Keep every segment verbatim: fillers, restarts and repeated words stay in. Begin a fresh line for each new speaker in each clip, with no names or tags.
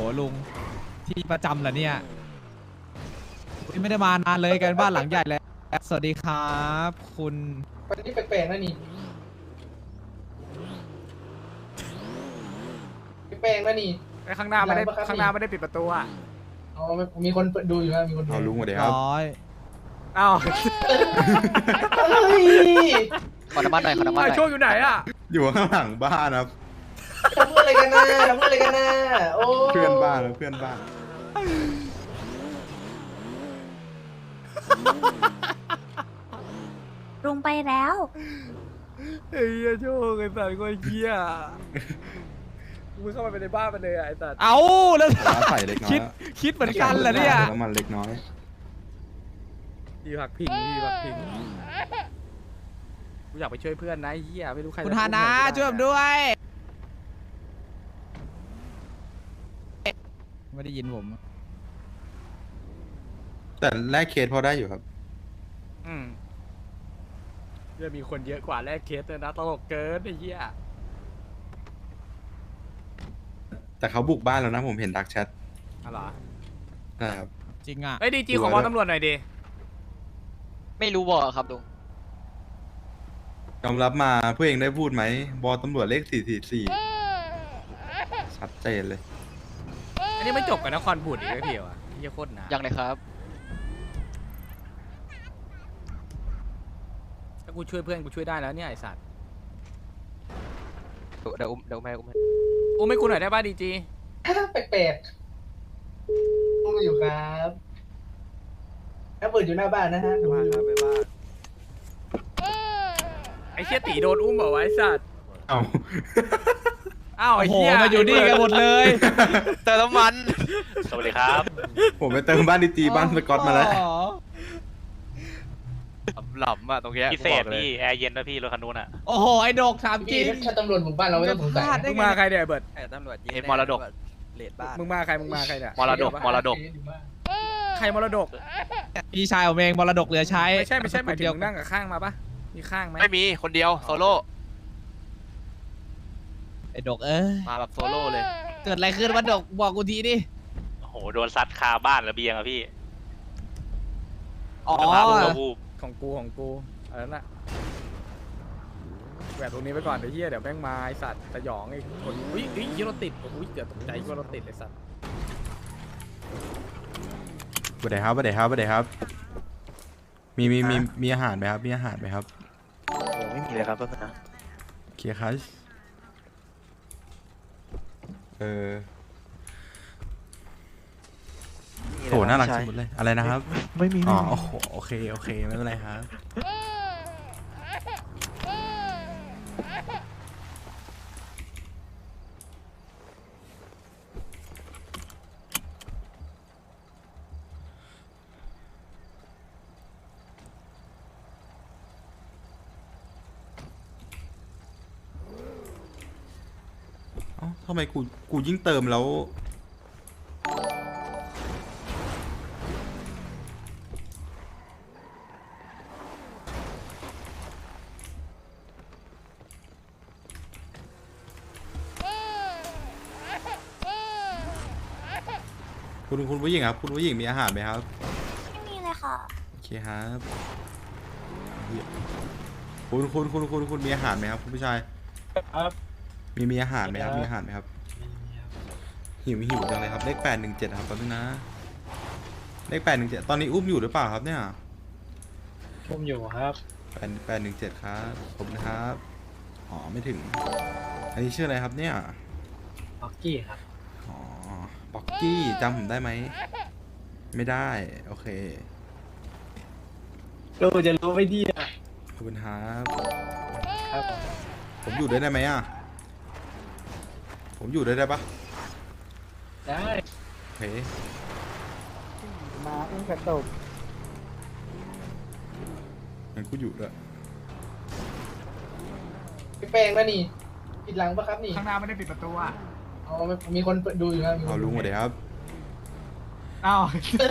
ลุงที่ประจำเหรอเนี่ยไม่ได้มานานเลยกันบ้านหลังใหญ่เลยสวัสดีครับคุณ
วันนี้แปลกๆนะนี่แปลกๆนะนี่
ไอ้ข้างหน้าไม่ได้ข้างหน้าไม่ได้ปิดประตูอ่ะ
อ๋อมีคนดูอยู่นะมีคนดู
เอาลุงมาเดี๋ยวครับ
ร้อย
อ้าว
ขอน้ำมันหน่อยขอน้ำมันหน่อย
โชคอยู่ไหนอ่ะ
อยู่ข้างหลังบ้านครับ
ทำเพื่ออะไรกันนะทำเพื่ออะไรกันนะโอ้
เพื่อนบ้านนะเพื่อนบ้าน
ลุงไปแล้ว
ไอ้เหี้ยโชคไอ้สัตว์ก็เหี้ยมึงเข้าไปในบ้านมันเลยไอ้สัตว์
เอาแล้ว
ใส่เล็กน้อย
คิดคิดเหมือนกันเหรอเนี่ย
น้ำมันเล็กน้อย
ดีผักพิงดีผักพิงกูอยากไปช่วยเพื่อนนะไอ้เหี้ยไม่รู้ใคร
คุณฮานะช่วยผมด้วยไม่ได้ยินผม
แต่แรกเคสพอได้อยู่ครับ
อืมเดี๋ยวมีคนเยอะกว่าแรกเคสเลยนะตลกเกินไอ้เหี้ย
แต่เขาบุกบ้านแล้วนะผมเห็นดักแชท
อะไรอ
นะครับ
จริงอ่ะ
ไอ้ดีจีของวอลตำรวจหน่อยดิ
ไม่รู้บอกครับลุง
ยอมรับมาเพื่อเองได้พูดไหมบอตำรวจเลขสี่สี่สี่ชัดเจนเลย
อันนี้ไม่จบกับนครบูดอีกแล้วพี่วะเหี้ยโคตรหนา
ยังเลยครับ
ถ้ากูช่วยเพื่อนกูช่วยได้แล้วเนี่ยไอ้สัตว์
เดี๋ยวอุ้มเดี๋ยวแม่อุ้มให้
โอ้ไม่กูหน่อยได้ป่ะดีจี
แปลกๆดูอยู่ครับแล้วเปิดอยู่หน้าบ้านนะฮะดูอยู่
ไอ้เชี่ยตีโดนอุ้มบอกว่าไอ้สัตว์
เอา
อ้าว
โอ้
ไอ้
โห
เหี้ย
มาอยู่นี่กันหมดเลย
เติมน้ำมัน
สวัสดีครับ
ผมไปเติมบ้านดีจีบ้านสกอตมาแล้ว
หลับอ่ะตรงเนี้ย
พิเศษพี่แอร์เย็นนะพี่รถคันนู้นอ่ะ
โอ้โหไอ้ดกถามจริ
พี่
ง
ถ้าตำรวจบุกบ้านเราไม่ต้องสงสัย
พลาด
นะ
ได้
มึงมาใครเนี่ยไอ้เบิร์ด
ตำรวจ
เอ็มมรดก
เลดบ้าน
มึงมาใครมึงมาใครเนี่ย
มรดกมรดก
ใครมรดก
พี่ชายผมเองมรดกเหลือใช้
ไม่ใช่ไม่ใช่หมายถึง
เดียว
มึงนั่งกับข้างมาปะมีข้างไหม
ไม่มีคนเดียวโซโล่
ไอ้ดกเอ้ย
มาแบบโซโล่เลย
เกิดอะไรขึ้นวะดกบอกกูทีดิ
โอ้โหโดนซัดคาบ้านระเบียงอะพี่
อ๋อ
สภาพบูบวูบ
ของกูของกูอันนั้นน่ะแหวกตรงนี้ไปก่อนไอ้เหี้ยเดี๋ยวแม่งมาไอ้สัตว์สยองไอ้คนอุ้ยอุ้ยยี่รถติดอุ้ยเดี๋ยวตกใจว่ารถติดไอ้สัตว์
สวัสดีครับสวัสดีครับสวัสดีครับ มีมีมีมีอาหารไหมครับมีอาหารไหมครับ
ไม่มีเลยครับต้นนะ
เคลียร์คัชเออโหน่ารักสุดเลยอะไรนะครับไม่มีอ๋อโอ้โหโอเคโอเคไม่เป็นไรครับเอ้าทำไมกูกูยิ่งเติมแล้วคุณคุณผู้หญิงครับคุณผู้หญิงมีอาหารไหมครับ
ไม่มีเลยค่ะ
โอเคครับคุณคุณคุณคุณคุณมีอาหารไหมครับคุณผู้ชาย
ครับ
มีมีอาหารไหมครับมีอาหารไหมครับหิวหิวจังเลยครับเลขแปดหนึ่งเจ็ดครับตอนนี้นะเลขแปดหนึ่งเจ็ดตอนนี้อุ้มอยู่หรือเปล่าครับเนี่ย
ผมอยู่ครับ
แปดแปดหนึ่งเจ็ดครับขอบคุณครับอ๋อไม่ถึง อันนี้ชื่ออะไรครับเนี่ย
บ็อกกี้ครับ
อ๋อบ็อกกี้จำผมได้ไหมไม่ได้โอเค
เราจะรู้ไม่ดีอ่ะ
ขอบคุณครับ
ครับผม
ผมอยู่ด้วยได้ไหมอ่ะผมอยู่ด้วยได้ปะ
ได้
โอเค
มาอุ้มกระตก
งั้นกูอยู่ด้วย
แปลกๆนะนี่ปิดหลังปะครับนี่
ข้างหน้าไม่ได้ปิดประตูอ่ะ
อ๋อมีคนดูอยู่นะมีคน
เอาลุงมาเดี๋ยวครับ
อ้าว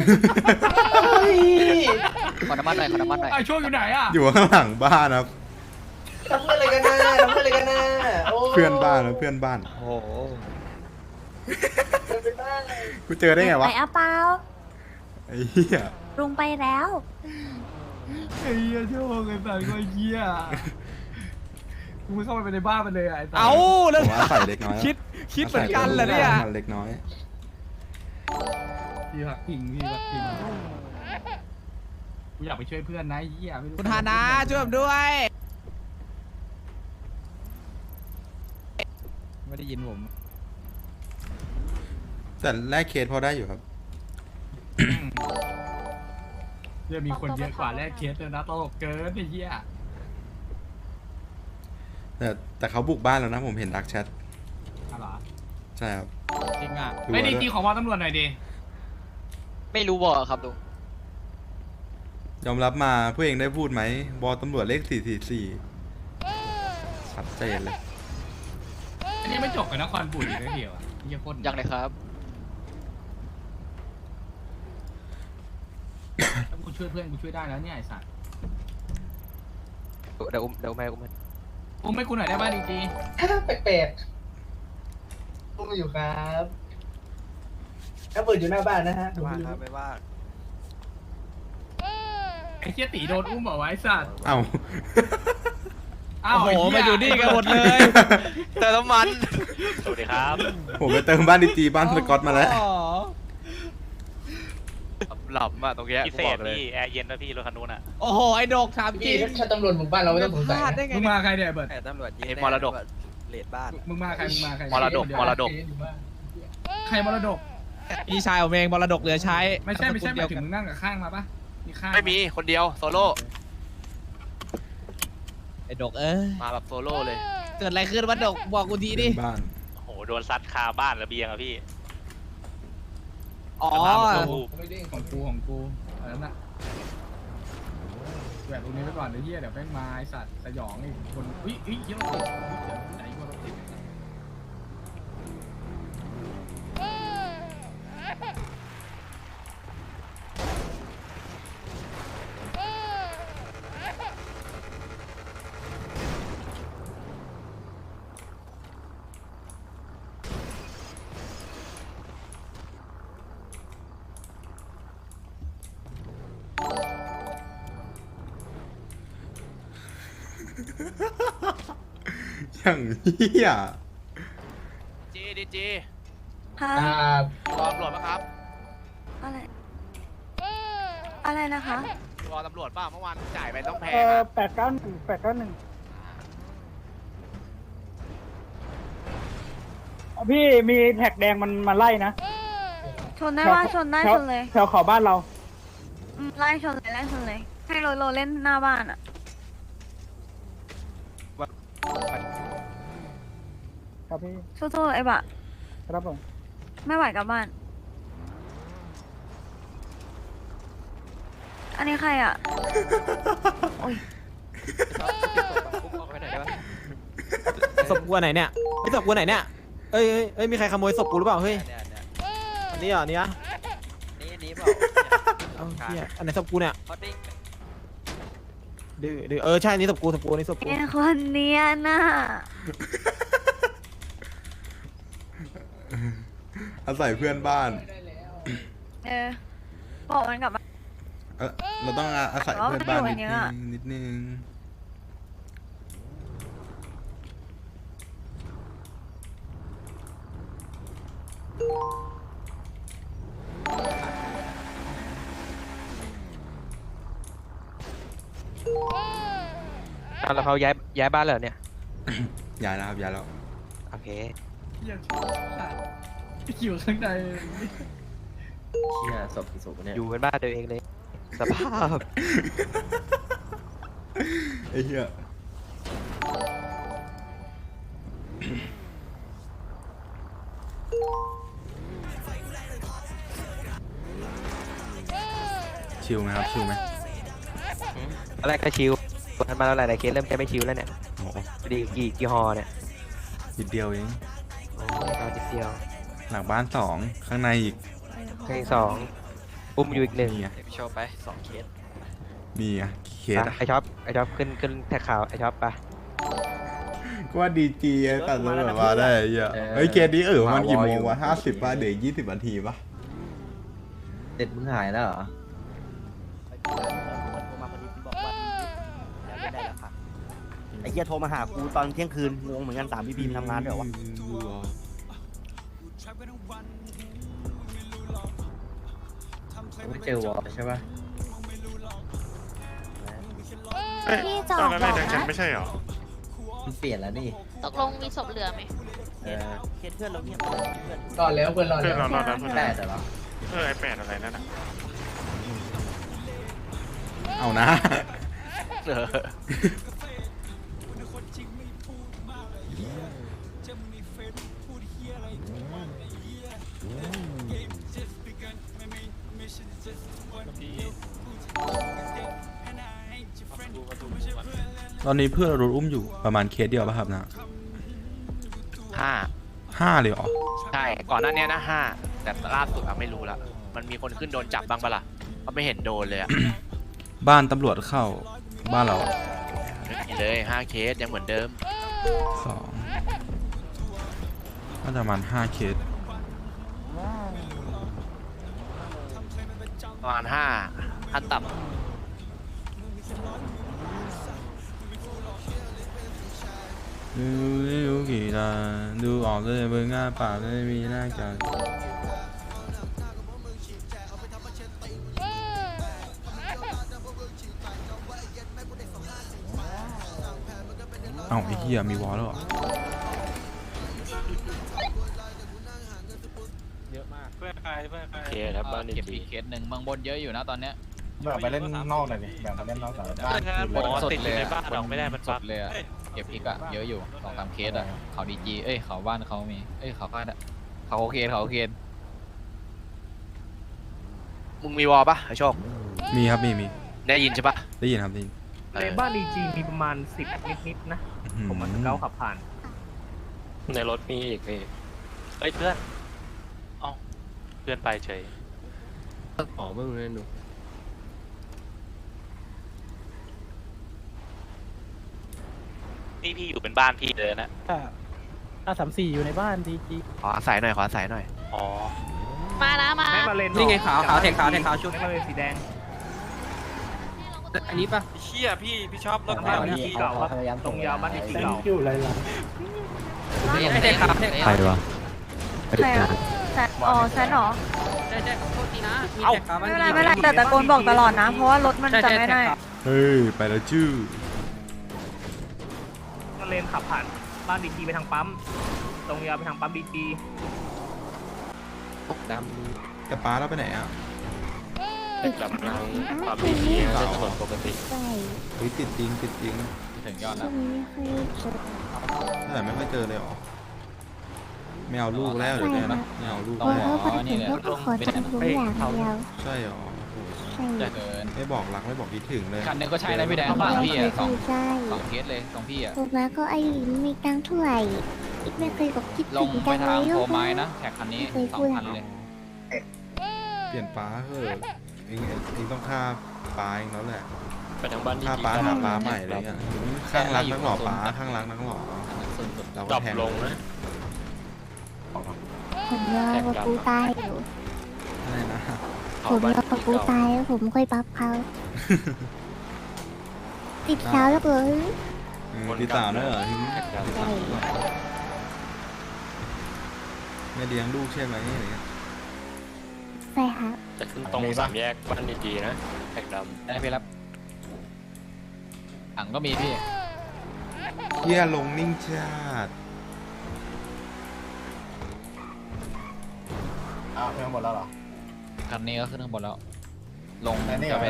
ขอน้ำมันหน่อยขอน้ำมันหน่อย
ไอ้โชคอยู่ไหนอ่ะ
อยู่ข้างหลังบ้านครับ
ทำเพื่ออะไรกันนะทำเพื่ออะไรกันนะโอ้
เพื่อนบ้านนะเพื่อนบ้าน
โอ้โห
เป็นไปได้
กูเจอได้ไงวะ
ไปอะเปล่า
ไอ้เหี้ย
ลุงไปแล้ว
ไอ้เหี้ยโชคไอ้สัตว์ก็เหี้ยกูไม่เข้าไปในบ้านมันเลยไอ้สัตว์เอา
ผ
แล้ว
มว่าใส่เล็กน้อย
คิดคิดเหมือนกันเหรอเนี่ย
มันเล็กน้อย
พี่ผักพิงพี่ผักพิงกูอยากไปช่วยเพื่อนนะไอ้เหี้ยไม่รู้
คุณฮานะช่วยผมด้วย
ไม่ได้ยินผม
แต่แรกเคสพอได้อยู่ครับ
เดี๋ยวมีคนเยอะกว่าแรกเคสเลยนะโตเกินไอ้เหี้ย
แต่แต่เขาบุกบ้านแล้วนะผมเห็นดักแชท
อะไรอ
ใช่ครับ
จริงอ่ะ
ดู
ไม่ดี
ด้วย
จริงของว่าตำรวจหน่อยดิ
ไม่รู้บอกครับลุง
ยอมรับมาเพื่อเองได้พูดไหมบอตำรวจเลขสี่สี่สี่ชัดเจนเลย
อันนี้ไม่จบกับนครบุรีเลยเดียวอ่ะเหี้ยโคตร
ยังเลยครับ
ถ้ากูช่วยเพื่อนกูช่วยได้แล้วเนี่ยไอ้สัตว์
เดี๋ยวอุ้มเดี๋ยวแม่อุ้มให้
อุ้มให้กูหน่อยได้ป่ะดีจี
แปลกๆอุ้มอยู่ครับแล้วเปิดอยู่หน้าบ้านนะฮะ
ว่างครับไม่ว่าง
ไอ้เชี่ยตีโดนอุ้มเหรอวะไอ้สัตว์
เอ้า
อ้าว
โอ้โห
ไเหี้
มาอยู่นี่กันหมดเลย
เติมน้ำมัน
สวัสดีครับ
ผมไปเติมบ้านดีจีบ้านสกอตมาแล้ว
อ๋อ
หลับอะตรงเนี้ย
พิ
กู
เศ
บอ
ษ
กเลย
พี่แอร์เย็นนะพี่รถคันนู้นอ่ะ
โอ้โห ไอ้ดกถามจ
พี่
ริง
ถ้าตำรวจหมู่บ้านเราไม่ต้องสงสัย
พลาด
นะ
ได้ไง
มึง
เนี่ย
มาใครเนี่ยเบิร์ด
แต่ตำรวจยิง
ไอ้มรดก
เลดบ้าน
มึงมาใครมึงมาใคร
มรดกมรดก
ใครมรดก
พี่ชายผมเองมรดกเหลือใช้
ไม่ใช่ไม่ใช่ห
เดี
มาย ยว ถึง
กัน
มึงนั่งกับข้างมาปะมีข้าง
ไม่มีคนเดียวโซโล่
ไอ้ดกเอ้ย
มาแบบโซโล่เลย
เกิดอะไรขึ้นวะดกบอกกูทีดิ
เป็นบ้าน
โอ้โหโดนซัดคาบ้านระเบียงอะพี่
อ๋อ
สภาพมันก็วูบ
ไม่ได้ของกูของกูอันนั้นน่ะแหวนตรงนี้ไปก่อนเดี๋ยวเหี้ยเดี๋ยวแม่งมาไอ้สัตว์สยองไอ้คนอุ้ยอุ้ยเหี้ยรถติดอุ๊ยเดี๋ยวไหนว่ารถติดไอ้สัตว์
อย่างเหี้ย
จีดีจี
ค่ะ
อ่าร
อตำรวจปะครับ
อะไร อะไรนะคะ
รอตำรวจป่ะเมื่อวานจ่ายไปต้องแพง
เออ
อะ
แปดเก้าหนึ่งแปดเก้าหนึ่งพี่มีแท็กแดงมันมาไล่นะ
ชนได้ว่าชนได้
แถว
ชนเลย
แถวเขาบ้านเรา
อืมไล่ชนเลยไล่ชนเลย ให้โรโรเล่นหน้าบ้านอ่ะ
ครับพี่
สู้ๆไอ้บะ
ครับผม
ไม่ไหวกลับบ้าน อันนี้ใครอ่ะ โอ้ย
อุ้มออกไปไหนได้ปะ
ศพกูอันไหนเนี่ยไอ้ศพกูอันไหนเนี่ยเอ้ยเอ้ยเอ้ยมีใครขโมยศพกูหรือเปล่าเฮ้ย
เนี่ยเนี่ย
อันนี้เหรออันนี้อะ
นี่นี่เปล่า
เอ้าเหี้ยอันไหนศพกูเนี่ย
เขาดิ้ง
ดื้อดื้อเออใช่อันนี้ศพกูศพกูอันนี้ศพกู
ไอ้คนเนี้ยน่ะ
อาศัยเพื่อนบ้าน
เออ บอกมันกลับบ้าน
เออเราต้องอาศัยเพื่อนบ้านนิด
เอา
นึ
ไว้
งนิดนึง
แล้วเขาย้ายย้ายบ้านเลยเนี่ย
ย้ายแล้วครับย้ายแล้ว
โอเค
เหี้ยชนสัตว์อยู่ข้างใน
อยู่เป็นบ้านตัวเองเลย สภาพ
ไอ้เหี้ยชิลไหมครับชิลไหม
ตอนแรกก็ชิวทันมาแล้วหลายๆเคสเริ่มจะไม่ชิวแล้วเนี่ย
โอ้โห
ดีกี่กี่ฮอเนี่ย
นิดเดียวเอง
โอ้ยเอาจิตเดียว
หลังบ้านสองข้างในอีก
เพลงสองอุ้มอยู่อีกหนึ่ง
นี่ไง
โชว์ไปสองเคส
มีอ่ะเคสอ่ะ
ไอช็อปไอช็อปขึ้นขึ้นแท็กข่าวไอช็อปไป
ก็ว่าดีจีไอ้ตัดตำรวจมาได้ไอ้เหี้ยเฮ้ยเคสนี้เออมันกี่โมงวะห้าสิบป่ะเดี๋ยวยี่สิบนาทีป่ะ
เด็ดมึงหายแล้วเหรอ
ไอ้เหี้ยโทรมาหากูตอนเที่ยงคืนงงเหมือนกันสามพี่บีมทำงานด้วยวะ
ไม่เจอวอลใช่ป่ะ
พี่จอกบอกนะ
ไม่ใช่หรอ
มันเปลี่ยนแล้วนี่
ตกลงมีศพเหลือไหม
เออ
เคสเพื่อนเราเงียบ
รอดแล้วเพื่อนรอดแล้ว
แปดเหรอ
เออไอแปดอะไรนั่นอ่ะเอานะ ตอนนี้เพื่อนเราโดนอุ้มอยู่ประมาณเคสเดียวป่ะครับนะ
ห้า
ห้าเลยเหรอ
ใช่ ก่อนหน้านี้นะห้าแต่ล่าสุดอะไม่รู้ละมันมีคนขึ้นโดนจับบ้างปะล่ะเขาไม่เห็นโดนเลยอะ
บ้านตำรวจเข้าบ้านเรา
นี่เลยห้าเคสยังเหมือนเดิม
สองน่าจะประมาณห้าเคส
ประมาณห้าขั้นต่ำ
ดูดูกี่ตาดูออกเลยเบอร์ง่าปากไม่มีหน้ากันเอ้าไอ้เหี้ยมีวอลแล้วเหรอ
เยอะมาก
เพื่อนใครเพื่อนใคร
เคสครับบ้าน
เก็บอีกเคสหนึ่งเมืองบนเยอะอยู่นะตอนเนี้ย
แบบไปเล่นนอกหน่อยดิแบบไปเล่นนอกหน่อยบ้าน
หมอติดอยู่ในบ้านเราไม่ได้มัน
ส
ปั๊บ
ดเลยอะเก็บอีกอะเยอะอยู่สองสามเคสอะเขาดีจีเอ้ยเขาบ้านเขามีเอ้ยเขาบ้านอะเขาโอเคเขาโอเค
มึงมีวอลปะไอโชค
มีครับมีมี
ได้ยินใช่ปะ
ได้ยินครับได้ยิน
ในบ้านดีจีมีประมาณสิบนิดๆนะ
อื้อหือ
ผมมันเก้าขับผ่าน
ในรถมีอีกพี่เอ้ยเพื่อนเอ้าเพื่อนไปเฉย
อ๋อไม่รู้เลยหนู
นี่พี่อยู่เป็นบ้านพี่เลยนะ
อ่าสามสี่อยู่ในบ้านดีจี
ขออาศัยหน่อยขออาศัยหน่อย
อ๋อ
มานะมา
แม็กมาเลน
นี่ไงขาวขาวแทงขาวแทงขาวชุด
แม็กมาเลนสีแดง
อันนี้ปะ
เชี่ยพี่พี่ชอบรถ
บ้านดีจีเก่าครับตรงยาวบ้านดีจีเก่า
อยู่ไรล่ะ
แทงขาวแทง
ใครวะ
ใครอะแซดอ๋อแซดเหรอ
ใช่ใช่ขอโทษทีนะมี
เอ้า
แทงขาว
ไม่เป็นไรไม่เป็นไรแต่ตะโกนบอกตลอดนะ เพราะว่ารถมันจะไม่ได้
เฮ้ยไปแล้วจื้อ
มาเลนขับผ่านบ้านดีจีไปทางปั๊ม ตรงยาวไปทางปั๊มดีจี
ด
กระป๋าเราไปไหนอ่ะ
แบบนั้นความดีดีจะถนนปกติ
เฮ้ยติดจริงติดจริง
ำถึงยอดแล้ว
แต่ไม่ค่อยเจอเลยเหรอไม่เอาลูกแล้วเดี๋ยวนี้นะไม่เอาลูก
ต้อง
แล้ว
ขอนี่เลยลงเป็น
เฮ้ยเขา
ใช่เหรอ
จะเกิน
ไม่บอกรักไม่บอกคิดถึงเลย
คันนึงก็ใช่นะพี่แดงฝั่งพี่อะสองสองเคสเลยของพี่อะ
ถูกแล้วก็ไอ้มีตังเท่าไหร่ไม่เคยบอกคิด
ลงไปทางโพไม้นะแท็กคันนี้สองพันเลย
เปลี่ยนป้าเถอะเองเองต้องฆ่าป้าเองแล้วแหละ
ไปทางบ้านดี
ฆ่าป้าหาป้าใหม่อะไรเงี้ยข้างรักนักหล่อป้าข้างรักนักหล่อเรา
ด
ก็
รอป
แทง
ลงนะ
ผมรอว่ากูตายอยู่
อะไรนะ
ผมรอว่ากูตายแล้วผมค่อยบัฟเขาติดสาวแล้วเกิน
เออตีสาวด้วยเหรอตีสาวไม่เลี้ยงลูกใช่ไหมอะไรเงี้ย
ใช่ครับ
จะขึ้นตรงสามแยกบ้านดีๆนะแท็กด
ได้ไปรับถังก็มีพี่
เฮียลงนิ่งชาติ
อ้าวเพิ่มหมดแล้วเหรอ
คันนี้ก็ขึ้นข้างบนแล้ว ลง
อันนี้เหรอ
จะไป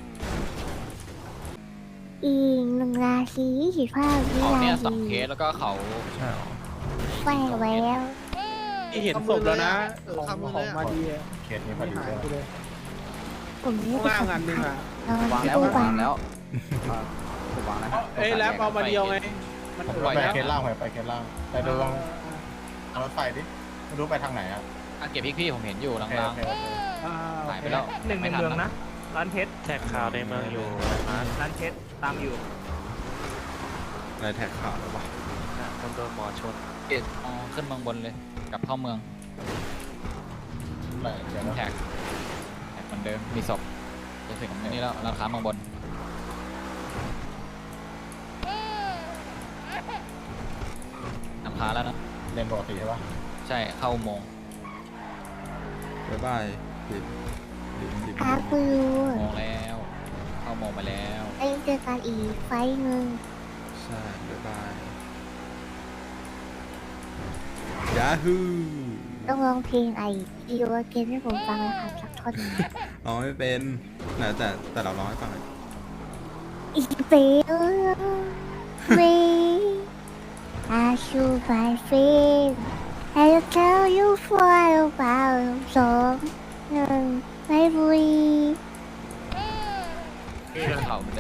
อีกหนึ่งราศีสีฟ้าวิ
เขา
ลา
เนี่ยสอง
ดี
เคสแล้วก็เขา
ใช่เหรอ
แฝงไว้แล้ว
ที่เห็นศพแล้วนะของของมาดีเคสนี้พอดีเลย
ผมไม่ได้
งานหนึ่งอ่ะ
เรา
วาง
ที่
แล้ว
ตู้
วา
บาง ง
แล้วผมวางแล้ว
เอ้ยแล้วเอามาเดียวไง
มันปล่อยแล้ว
เคสล่างไปเคสล่างไปดูลองเอารถไฟดิไม่รู้ไปทางไหนอ่ะ
อ่ะเก็บพี่พี่ผมเห็นอยู่ลางๆหายไปแล้ว
หนึ่งในเมืองนะ ร้านเพชร
ำแท็กข่าวในเมืองอยู่
ร้านเพชรตามอยู่
อะไรแท็กข่าวหรือเปล่า
คนโดนหมอชน
อ๋อขึ้นเมืองบนเลยกลับเข้าเมือง
เดี๋ยว
แท็กแท็กอนเดิมมีศพจะถึงอันนี้แล้วร้านค้าเมืองบนนำพาแล้วนะ
เล่นปกติใช่ปะ
ใช่เข้าอุโมงค์
บ๊ายบายดิบดิบดิบ
ครับคุณลุง
อุโมงค์แล้ว เข้าอุโมงค์ไปแล้ว
ไอ้เจอกันอีกไฟล์หนึ่ง
ใช่บ๊ายบายยาฮู
ต้องร้องเพลงไอ้อีโอเกนให้ผมฟังนะครับสักท่อนหนึ่ง
ร้องไม่เป็นนะแต่แต่เราร้องให้ฟังหน่อย
อีเปลเว I should my friend I'll tell you for a while สองหนึ่งไม่บุย
เขา